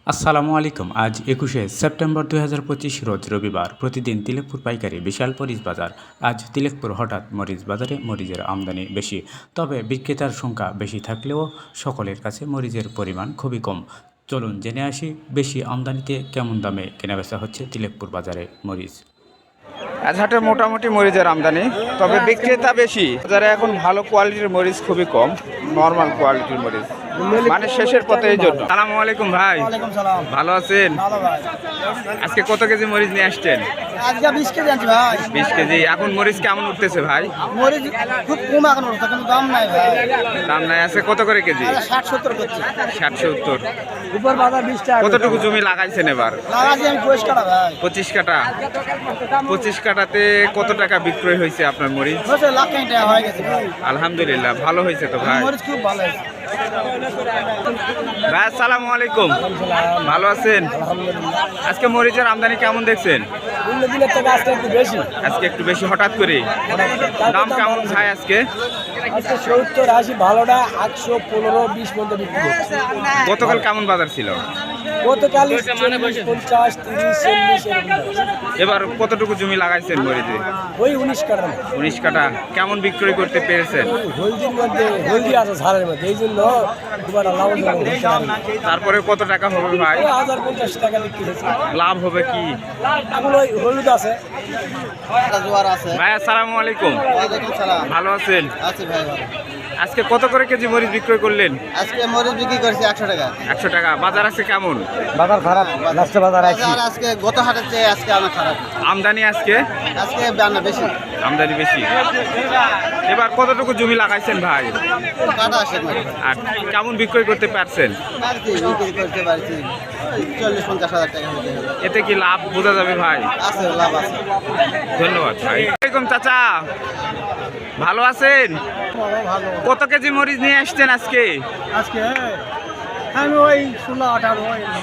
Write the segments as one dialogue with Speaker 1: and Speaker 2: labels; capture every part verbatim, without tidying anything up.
Speaker 1: আসসালামু আলাইকুম। আজ একুশে সেপ্টেম্বর দুই হাজার পঁচিশ রোজ রবিবার। প্রতিদিন তিলেকপুর পাইকারি বিশাল মরিচ বাজার। আজ তিলেকপুর হঠাৎ মরিচ বাজারে মরিচের আমদানি বেশি, তবে বিক্রেতার সংখ্যা বেশি থাকলেও সকলের কাছে মরিচের পরিমাণ খুবই কম। চলুন জেনে আসি বেশি আমদানিতে কেমন দামে কেনাবেচা হচ্ছে তিলেকপুর বাজারে মরিচ।
Speaker 2: আজ হাটে মোটামুটি মরিচের আমদানি, তবে বিক্রেতা বেশি। বাজারে এখন ভালো কোয়ালিটির মরিচ খুবই কম, নর্মাল কোয়ালিটির মরিচ মানে শেষের পথে। এই জন্য সালামু আলাইকুম ভাই, ভালো আছেন? আজকে কত কেজি মরিচ নিয়ে আসছেন?
Speaker 3: আজকে বিশ কেজি আনছি ভাই।
Speaker 2: বিশ কেজি। এখন মরিচ কেমন উঠতেছে ভাই?
Speaker 3: মরিচ খুব কম এখন উঠছে, কিন্তু দাম নাই ভাই।
Speaker 2: দাম নাই আছে কত করে কেজি?
Speaker 3: ষাট সত্তর করছে।
Speaker 2: ষাট সত্তর।
Speaker 3: উপর বাজার বিশ টাকা।
Speaker 2: কতটুকু জমি লাগাইছেন এবার?
Speaker 3: লাগাচ্ছি আমি পঁচিশ কাটা ভাই।
Speaker 2: পঁচিশ কাটা। পঁচিশ কাটাতে কত টাকা বিক্রয় হয়েছে আপনার মরিচ?
Speaker 3: হয়েছে লাখ খানিক টাকা হয়ে গেছে ভাই।
Speaker 2: আলহামদুলিল্লাহ, ভালো হয়েছে তো ভাই।
Speaker 3: মরিচ খুব ভালো হয়েছে
Speaker 2: ভাই আসসালামু আলাইকুম, ভালো আছেন? আজকে মরিচের আমদানি কেমন দেখছেন?
Speaker 3: অন্য দিনের থেকে আজকে একটু বেশি।
Speaker 2: আজকে একটু বেশি হঠাৎ করে। দাম কেমন ভাই আজকে?
Speaker 3: আজকে সত্তর আশি, ভালোটা আটশো পনেরো বিশ পর্যন্ত বিক্রি করছে।
Speaker 2: গতকাল কেমন বাজার ছিল?
Speaker 3: গতকাল চল্লিশ পঞ্চাশ তিরিশ চল্লিশ এরকম।
Speaker 2: এবার কতটুকু জমি লাগাইছেন মরিচে?
Speaker 3: ওই উনিশ কাটা।
Speaker 2: উনিশ কাটা। কেমন বিক্রয় করতে পেরেছেন?
Speaker 3: হলদির মধ্যে হলদি আছে ঝালের মধ্যে, এই জন্য দুবার লাভ হবে।
Speaker 2: তারপরে কত টাকা হবে ভাই?
Speaker 3: হাজার পঞ্চাশ টাকা বিক্রি হয়েছে।
Speaker 2: লাভ হবে কি?
Speaker 3: এখন ওই হলুদ আছে।
Speaker 2: ভাই আসসালামু আলাইকুম,
Speaker 3: ওয়ালাইকুম সালাম।
Speaker 2: ভালো আছেন?
Speaker 3: আছি ভাই ভালো।
Speaker 2: আজকে কত করে কেজি মরিচ বিক্রয় করলেন?
Speaker 3: আজকে মরিচ বিক্রি করছি একশো টাকা।
Speaker 2: একশো টাকা। বাজার আছে কেমন?
Speaker 3: বাজার খারাপ, লাস্টে বাজার আছে। আজকে গত হাটের চেয়ে আজকে অনেক খারাপ।
Speaker 2: আমদানি আজকে
Speaker 3: আজকে বানা বেশি,
Speaker 2: আমদানি বেশি। এবার কতটুকু জমি লাগাইছেন ভাই?
Speaker 3: কাটা আসে না।
Speaker 2: আর কেমন বিক্রয় করতে পারছেন?
Speaker 3: পারছি বিক্রি করতে পারছি চল্লিশ পঞ্চাশ হাজার টাকা হতে হবে।
Speaker 2: এতে কি লাভ বোঝা যাবে ভাই?
Speaker 3: আছে লাভ আছে।
Speaker 2: ধন্যবাদ ভাই। ওয়ালাইকুম চাচা, ভালো আছেন?
Speaker 3: ভালো।
Speaker 2: কত কেজি মরিচ নিয়ে আসছেন আজকে?
Speaker 3: আজকে আমি ওই ষোলো আঠারো।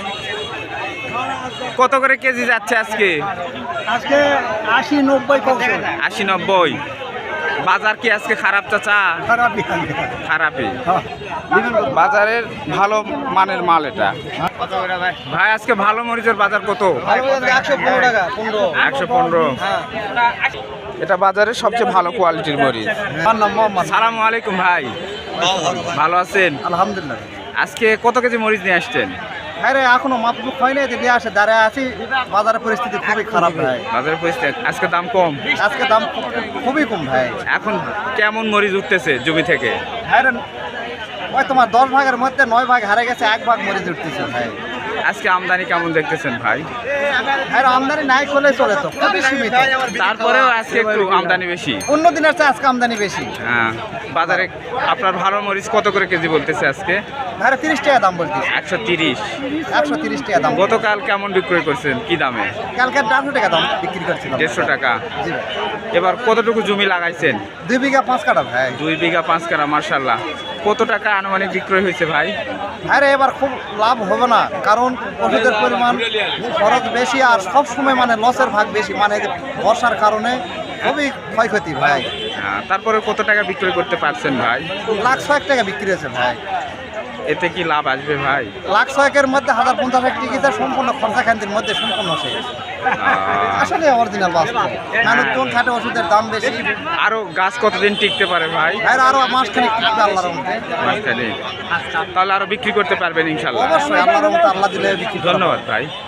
Speaker 2: কত করে কেজি যাচ্ছে আজকে?
Speaker 3: আজকে আশি নব্বই কমছে।
Speaker 2: আশি নব্বই। বাজার কি আজকে খারাপ চাচা?
Speaker 3: খারাপই
Speaker 2: খারাপই। বাজারের ভালো মানের মাল এটা। ভাই আজকে ভালো মরিচের বাজার কত?
Speaker 3: একশো পনেরো টাকা। পনেরো
Speaker 2: একশো পনেরো। এটা বাজারের সবচেয়ে ভালো কোয়ালিটির মরিচ। সালামু আলাইকুম ভাই, ভালো আছেন?
Speaker 3: আলহামদুলিল্লাহ।
Speaker 2: আজকে কত কেজি মরিচ নিয়ে আসছেন?
Speaker 3: হ্যাঁ রে, এখনো মাপলুক হয় নাই, দিয়ে আসে দাঁড়ায় আছি। বাজারের পরিস্থিতি খুবই খারাপ ভাই।
Speaker 2: বাজারের পরিস্থিতি আজকে দাম কম।
Speaker 3: আজকে দাম খুব- খুবই কম ভাই।
Speaker 2: এখন কেমন মরিচ উঠতেছে জমি থেকে?
Speaker 3: হ্যাঁ রে, ওই তোমার দশ ভাগের মধ্যে নয় ভাগ হারে গেছে, এক ভাগ মরিচ উঠতেছে ভাই।
Speaker 2: আজকে আমদানি কেমন দেখতেছেন ভাই?
Speaker 3: হ্যাঁ, আমদানি নাই করলে চলে তো, খুবই সীমিত।
Speaker 2: তারপরেও আজকে একটু আমদানি বেশি।
Speaker 3: অন্য দিনের চেয়ে আজকে আমদানি বেশি।
Speaker 2: হ্যাঁ, বাজারে আপনার ভালো মরিচ কত করে কেজি বলতেছে আজকে?
Speaker 3: হ্যাঁ, তিরিশ টাকা দাম বলতেছে।
Speaker 2: একশো তিরিশ।
Speaker 3: একশো তিরিশ টাকা দাম।
Speaker 2: গতকাল কেমন বিক্রয় করছেন, কি দামে?
Speaker 3: কালকে দেড়শো টাকা দাম বিক্রি করছিলাম।
Speaker 2: দেড়শো টাকা।
Speaker 3: জি ভাই।
Speaker 2: এবার কতটুকু জমি লাগাইছেন?
Speaker 3: দুই বিঘা পাঁচ কাটা ভাই।
Speaker 2: দুই বিঘা পাঁচ কাঠা। মার্শাল্লাহ। কত টাকা আনুমানিক বিক্রয় হয়েছে ভাই?
Speaker 3: হ্যাঁ রে, এবার খুব লাভ হবে না, কারণ ওষুধের পরিমাণ খরচ বেশি, আর সব সময় মানে লসের ভাগ বেশি, মানে বর্ষার কারণে খুবই ক্ষয়ক্ষতি ভাই।
Speaker 2: হ্যাঁ, তারপরে কত টাকা বিক্রয় করতে পারছেন ভাই?
Speaker 3: লাখ ছয়েক টাকা বিক্রি হয়েছে ভাই।
Speaker 2: এতে কি লাভ আসবে ভাই?
Speaker 3: লাখ ছয়েকের মধ্যে হাজার পঞ্চাশ এক টিকিটের সম্পূর্ণ খরচা খান্তির মধ্যে সম্পূর্ণ শেষ।
Speaker 2: আহ,
Speaker 3: আসলে অরিজিনাল বাস্তব। মানুষজন খাটে, ওষুধের দাম বেশি।
Speaker 2: আরো গাছ কতদিন টিকতে পারে ভাই?
Speaker 3: ভাই আরো মাস খানিক টিকবে আল্লাহর রহমতে।
Speaker 2: মাঝখানে তাহলে আরো বিক্রি করতে পারবেন ইনশাল্লাহ।
Speaker 3: অবশ্যই আল্লাহর রহমতে, আল্লাহ দিলে বিক্রি করব।
Speaker 2: ধন্যবাদ ভাই।